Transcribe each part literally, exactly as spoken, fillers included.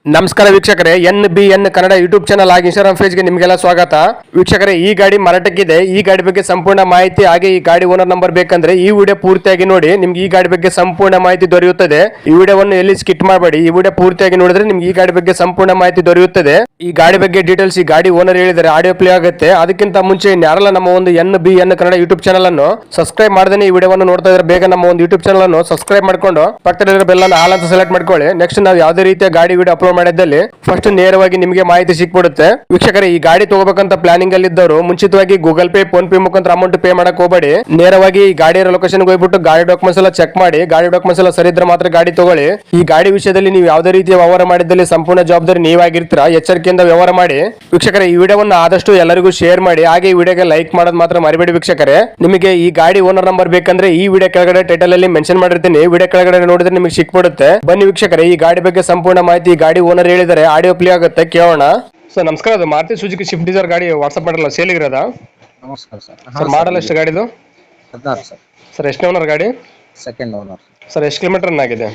ನಮಸ್ಕಾರ ವೀಕ್ಷಕರೇ, N B N Kannada YouTube channel ಹಾಗೆ ಇನ್ಸ್ಟಾಗ್ರಾಮ್ ಪೇಜ್ಗೆ ನಿಮಗೆಲ್ಲ ಸ್ವಾಗತ. ವೀಕ್ಷಕರೇ, ಈ ಗಾಡಿ ಮಾರಾಟಕ್ಕಿದೆ. ಈ ಗಾಡಿ ಬಗ್ಗೆ ಸಂಪೂರ್ಣ ಮಾಹಿತಿ ಹಾಗೆ ಈ ಗಾಡಿ ಓನರ್ ನಂಬರ್ ಬೇಕಂದ್ರೆ ಈ ವಿಡಿಯೋ ಪೂರ್ತಿಯಾಗಿ ನೋಡಿ. ನಿಮ್ಗೆ ಈ ಗಾಡಿ ಬಗ್ಗೆ ಸಂಪೂರ್ಣ ಮಾಹಿತಿ ದೊರೆಯುತ್ತದೆ. ಈ ವಿಡಿಯೋವನ್ನು ಎಲ್ಲಿ ಸ್ಕಿಟ್ ಮಾಡಬೇಡಿ. ಈ ವಿಡಿಯೋ ಪೂರ್ತಿಯಾಗಿ ನೋಡಿದ್ರೆ ನಿಮ್ಗೆ ಈ ಗಾಡಿ ಬಗ್ಗೆ ಸಂಪೂರ್ಣ ಮಾಹಿತಿ ದೊರೆಯುತ್ತದೆ. ಈ ಗಾಡಿ ಬಗ್ಗೆ ಡೀಟೇಲ್ಸ್ ಈ ಗಾಡಿ ಓನರ್ ಹೇಳಿದರೆ ಆಡಿಯೋ ಪ್ಲೇ ಆಗುತ್ತೆ. ಅದಕ್ಕಿಂತ ಮುಂಚೆ ಯಾರೆಲ್ಲ ನಮ್ಮ ಒಂದು N B N Kannada YouTube channel ಅನ್ನು ಸಬ್ಸ್ಕ್ರೈಬ್ ಮಾಡದೇ ಈ ವಿಡಿಯೋವನ್ನು ನೋಡ್ತಾ ಇದ್ರೆ ಬೇಗ ನಮ್ಮ ಒಂದು ಯೂಟ್ಯೂಬ್ ಚಾನಲ್ ಅನ್ನು ಸಬ್ಸ್ಕ್ರೈಬ್ ಮಾಡ್ಕೊಂಡು ಪಕ್ಕದಲ್ಲಿರೋ ಬೆಲ್ ಅನ್ನು ಆಲ್ ಅಂತ ಸೆಲೆಕ್ಟ್ ಮಾಡ್ಕೊಳ್ಳಿ. ನೆಕ್ಸ್ಟ್ ನಾವು ಯಾವುದೇ ರೀತಿಯ ಗಾಡಿ ವಿಡಿಯೋ ಅಪ್ಲೋಡ್ ಮಾಡಿದ್ದಲ್ಲಿ ಫಸ್ಟ್ ನೇರವಾಗಿ ನಿಮಗೆ ಮಾಹಿತಿ ಸಿಕ್ಬಿಡುತ್ತೆ. ವೀಕ್ಷಕರೇ, ಈ ಗಾಡಿ ತಗೋಬೇಕಂತ ಪ್ಲಾನಿಂಗ್ ಅಲ್ಲಿ ಇದ್ದವರು ಮುಂಚಿತವಾಗಿ ಗೂಗಲ್ ಪೇ, ಫೋನ್ ಪೇ ಮುಖಾಂತರ ಅಮೌಂಟ್ ಪೇ ಮಾಡಕ್ ಹೋಗಬೇಡಿ. ನೇರವಾಗಿ ಈ ಗಾಡಿಯ ಲೊಕೇಶನ್ ಹೋಗ್ಬಿಟ್ಟು ಗಾಡಿ ಡಾಕ್ಯುಮೆಂಟ್ಸ್ ಎಲ್ಲ ಚೆಕ್ ಮಾಡಿ. ಗಾಡಿ ಡಾಕ್ಯುಮೆಂಟ್ಸ್ ಎಲ್ಲ ಸರಿ ಇದ್ರೆ ಮಾತ್ರ ಗಾಡಿ ತಗೊಳ್ಳಿ. ಈ ಗಾಡಿ ವಿಷಯದಲ್ಲಿ ನೀವು ಯಾವುದೇ ರೀತಿಯ ವ್ಯವಹಾರ ಮಾಡಿದಲ್ಲಿ ಸಂಪೂರ್ಣ ಜವಾಬ್ದಾರಿ ನೀವಾಗಿರ್ತೀರಾ. ಎಚ್ಚರಿಕೆಯಿಂದ ವ್ಯವಹಾರ ಮಾಡಿ. ವೀಕ್ಷಕರೇ, ಈ ವಿಡಿಯೋವನ್ನು ಆದಷ್ಟು ಎಲ್ಲರಿಗೂ ಶೇರ್ ಮಾಡಿ. ಹಾಗೆ ಈ ವಿಡಿಯೋಗೆ ಲೈಕ್ ಮಾಡೋದು ಮಾತ್ರ ಮರಿಬೇಡಿ. ವೀಕ್ಷಕರೇ, ನಿಮಗೆ ಈ ಗಾಡಿ ಓನರ್ ನಂಬರ್ ಬೇಕಂದ್ರೆ ಈ ವಿಡಿಯೋ ಕೆಳಗಡೆ ಟೈಟಲ್ ಅಲ್ಲಿ ಮೆನ್ಷನ್ ಮಾಡಿರ್ತೀನಿ. ವಿಡಿಯೋ ಕೆಳಗಡೆ ನೋಡಿದ್ರೆ ನಿಮಗೆ ಸಿಕ್ಬಿಡುತ್ತೆ. ಬನ್ನಿ ವೀಕ್ಷಕರೇ, ಈ ಗಾಡಿ ಬಗ್ಗೆ ಸಂಪೂರ್ಣ ಮಾಹಿತಿ ಈ ಗಾಡಿ ಓನರ್ ಹೇಳಿದರೆ ಆಡಿಯೋ ಪ್ಲೇ ಆಗುತ್ತೆ, ಕೇಳೋಣ. ಸರ್ ನಮಸ್ಕಾರ, ಅದು ಮಾರುತಿ ಸುಜುಕಿ ಸ್ವಿಫ್ಟ್ ಡಿಸೈರ್ ಗಾಡಿ ವಾಟ್ಸ್ಆಪ್ ಮಾಡಲ್ಲ ಸೇಲಿಗಿರೋದಾ? ನಮಸ್ಕಾರ ಸರ್. ಸರ್ ಮಾಡಲ್ ಎಷ್ಟು ಗಾಡಿದು? ಹದಿನಾರು ಸರ್. ಸರ್ ಎಷ್ಟು ಓನರ್ ಗಾಡಿ? Second owner. ಸರ್ ಎಷ್ಟು ಕಿಲೋಮೀಟರ್ ರನ್ ಆಗಿದೆ?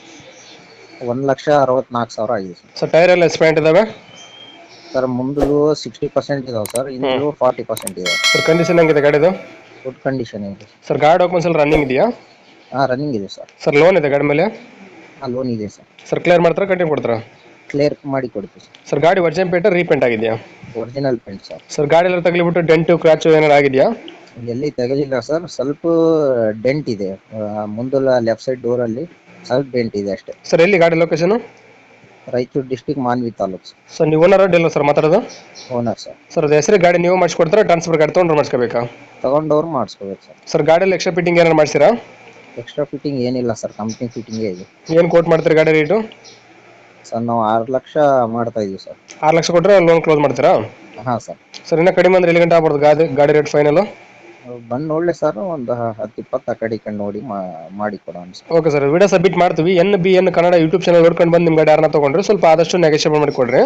ಒಂದು ಲಕ್ಷ ಅರವತ್ನಾಲ್ಕು ಸಾವಿರ ಆಗಿದೆ ಸರ್. ಸರ್ ಟೈರ್ ಎಲ್ಲ ಎಸ್ಪೆಂಟ್ ಇದಾವೆ? ಸರ್ ಮುಂದಲು ಸಿಕ್ಸ್ಟಿ ಪರ್ಸೆಂಟ್ ಇದಾವೆ ಸರ್, ಇನ್ನೂ ಫಾರ್ಟಿ ಪರ್ಸೆಂಟ್ ಇದೆ. ಸರ್ ಕಂಡೀಷನ್ ಹೆಂಗಿದೆ ಗಾಡಿದು? ಗುಡ್ ಕಂಡೀಷನ್ ಇದೆ ಸರ್. ಗಾಡಿ ಡಾಕ್ಯುಮೆಂಟ್ಸ್ ಎಲ್ಲ ರನ್ನಿಂಗ್ ಇದೆಯಾ? ಹಾಂ, ರನ್ನಿಂಗ್ ಇದೆ ಸರ್. ಸರ್ ಲೋನ್ ಇದೆ ಗಾಡಿ ಮೇಲೆ? ಹಾಂ, ಲೋನ್ ಇದೆ ಸರ್. ಸರ್ ಕ್ಲಿಯರ್ ಮಾಡ್ತಾರಾ ಕಂಟಿನ್ಯೂ ಕೊಡ್ತಾರಾ? ಕ್ಲಿಯರ್ ಮಾಡಿ ಕೊಡ್ತೀವಿ ಸರ್. ಸರ್ ಗಾಡಿ ಒರಿಜಿನಲ್ ಪೇಂಟ್ ರೀಪೇಂಟ್ ಆಗಿದೆಯಾ? Original paint sir. ಸರ್ ಗಾಡಿ ಎಲ್ಲ ತಗಲಿಬಿಟ್ಟು ಡೆಂಟು ಕ್ರಾಚು ಏನಾರು ಆಗಿದೆಯಾ? ಎಲ್ಲಿ ತೆಗೆದಿಲ್ಲ ಸರ್, ಸ್ವಲ್ಪ ಡೆಂಟ್ ಇದೆ ಮುಂದಲ ಲೆಫ್ಟ್ ಸೈಡ್ ಡೋರಲ್ಲಿ, ಸ್ವಲ್ಪ ಡೆಂಟ್ ಇದೆ ಅಷ್ಟೇ. ಸರ್ ಎಲ್ಲಿ ಗಾಡಿ location? Raichur district, Manvi taluk sir. Sir ನೀವು ಓನರ್ ಡೀಲರ್ ಸರ್ ಮಾತಾಡೋದು? Owner sir. ಸರ್ ಅದು ಹೆಸರು ಗಾಡಿ ನೀವು ಮಾಡಿಸ್ಕೊಡ್ತಾರಾ ಟ್ರಾನ್ಸ್ಫರ್ ಗಾಡಿ ತೊಗೊಂಡ್ರೆ ಮಾಡಿಸ್ಕೋಬೇಕಾ? ತಗೊಂಡವ್ರು ಮಾಡಿಸ್ಕೋಬೇಕು ಸರ್. ಸರ್ ಗಾಡಿಯಲ್ಲಿ ಎಕ್ಸ್ಟ್ರಾ ಫಿಟ್ಟಿಂಗ್ ಏನಾರು ಮಾಡಿಸಿರಾ? ಎಕ್ಸ್ಟ್ರಾ ಫಿಟ್ಟಿಂಗ್ ಏನಿಲ್ಲ ಸರ್, ಕಂಪ್ನಿ ಫಿಟ್ಟಿಂಗೇ ಇದೆ. ಏನು ಕೋಟ್ ಮಾಡ್ತೀರಾ ಗಾಡಿ ರೇಟು? ಸರ್ ನಾವು ಆರು ಲಕ್ಷ ಮಾಡ್ತಾ ಇದೀವಿ ಸರ್. ಆರು ಲಕ್ಷ ಕೊಟ್ಟರೆ ಲೋನ್ ಕ್ಲೋಸ್ ಮಾಡ್ತೀರಾ? ಹಾಂ ಸರ್. ಸರ್ ಇನ್ನೂ ಕಡಿಮೆ ಅಂದ್ರೆ ಎಲ್ಲಿ ಗಂಟೆ ಆಗ್ಬೋದು ಗಾಡಿ ಗಾಡಿ ರೇಟ್ ಫೈನಲ್? ಬಂದು ನೋಡಲಿ ಸರ್, ಒಂದು ಹತ್ತು ಇಪ್ಪತ್ತು ಆ ಕಡೆ ಈ ಕಡೆ ನೋಡಿ ಮಾಡಿ ಕೊಡೋಣ sir. Okay sir, video submit ಮಾಡ್ತೀವಿ. N B N Kannada YouTube channel ನೋಡ್ಕೊಂಡು ಬಂದು ನಿಮ್ಮ ಗಾಡಿ ಯಾರನ್ನ ತೊಗೊಂಡ್ರೆ ಸ್ವಲ್ಪ ಆದಷ್ಟು ನೆಗೋಷಿಯೇಟ್ ಮಾಡಿಕೊಡ್ರಿ.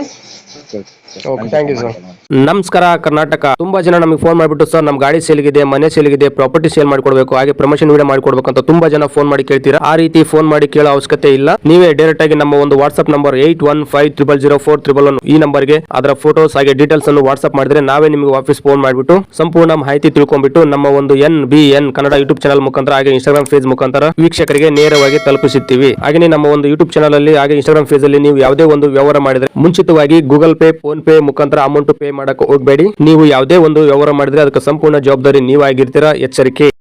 Okay, thank you sir. ನಮಸ್ಕಾರ ಕರ್ನಾಟಕ. ತುಂಬಾ ಜನ ನಮಗೆ ಫೋನ್ ಮಾಡಿಬಿಟ್ಟು ಸರ್ ನಮ್ಮ ಗಾಡಿ ಸೇಲ್ಗಿದೆ, ಮನೆ ಸೇಲ್ಗಿದೆ, ಪ್ರಾಪರ್ಟಿ ಸೇಲ್ ಮಾಡಿಕೊಡ್ಬೇಕು, ಹಾಗೆ ಪ್ರಮೋಷನ್ ವಿಡಿಯೋ ಮಾಡಿಕೊಡ್ಬೇಕು ಅಂತ ತುಂಬಾ ಜನ ಫೋನ್ ಮಾಡಿ ಕೇಳ್ತೀರಾ. ಆ ರೀತಿ ಫೋನ್ ಮಾಡಿ ಕೇಳೋ ಅವಶ್ಯಕತೆ ಇಲ್ಲ. ನೀವೇ ಡೈರೆಕ್ಟ್ ಆಗಿ ನಮ್ಮ ಒಂದು WhatsApp number eight one five triple zero four triple one ಈ ನಂಬರ್ಗೆ ಅದರ ಫೋಟೋಸ್ ಹಾಗೆ ಡೀಟೇಲ್ಸ್ ಅನ್ನು ವಾಟ್ಸ್ಆಪ್ ಮಾಡಿದ್ರೆ ನಾವೇ ನಿಮಗೆ ವಾಪಸ್ ಫೋನ್ ಮಾಡಿಬಿಟ್ಟು ಸಂಪೂರ್ಣ ಮಾಹಿತಿ ತಿಳ್ಕೊಂಡ್ಬಿಟ್ಟು ನಮ್ಮ ಒಂದು N B N Kannada YouTube channel ಮುಖಾಂತರ ಹಾಗೆ ಇನ್ಸ್ಟಾಗ್ರಾಮ್ ಪೇಜ್ ಮುಖಾಂತರ ವೀಕ್ಷಕರಿಗೆ ನೇರವಾಗಿ ತಲುಪಿಸುತ್ತೀವಿ. ಹಾಗೆ ನಮ್ಮ ಒಂದು ಯೂಟ್ಯೂಬ್ ಚಾನಲ್ ಅಲ್ಲಿ ಹಾಗೆ ಇನ್ಸ್ಟಾಗ್ರಾಮ್ ಪೇಜ್ ಅಲ್ಲಿ ನೀವು ಯಾವುದೇ ಒಂದು ವ್ಯವಹಾರ ಮಾಡಿದ್ರೆ ಮುಂಚಿತವಾಗಿ ಗೂಗಲ್ ಪೇ, ಫೋನ್ ಪೇ ಮುಖಾಂತರ ಅಮೌಂಟ್ ಪೇ ಮಾಡಕ್ಕೆ ಹೋಗಬೇಡಿ. ನೀವು ಯಾವುದೇ ಒಂದು ವ್ಯವಹಾರ ಮಾಡಿದ್ರೆ ಅದಕ್ಕೆ ಸಂಪೂರ್ಣ ಜವಾಬ್ದಾರಿ ನೀವಾಗಿರ್ತೀರಾ. ಎಚ್ಚರಿಕೆ.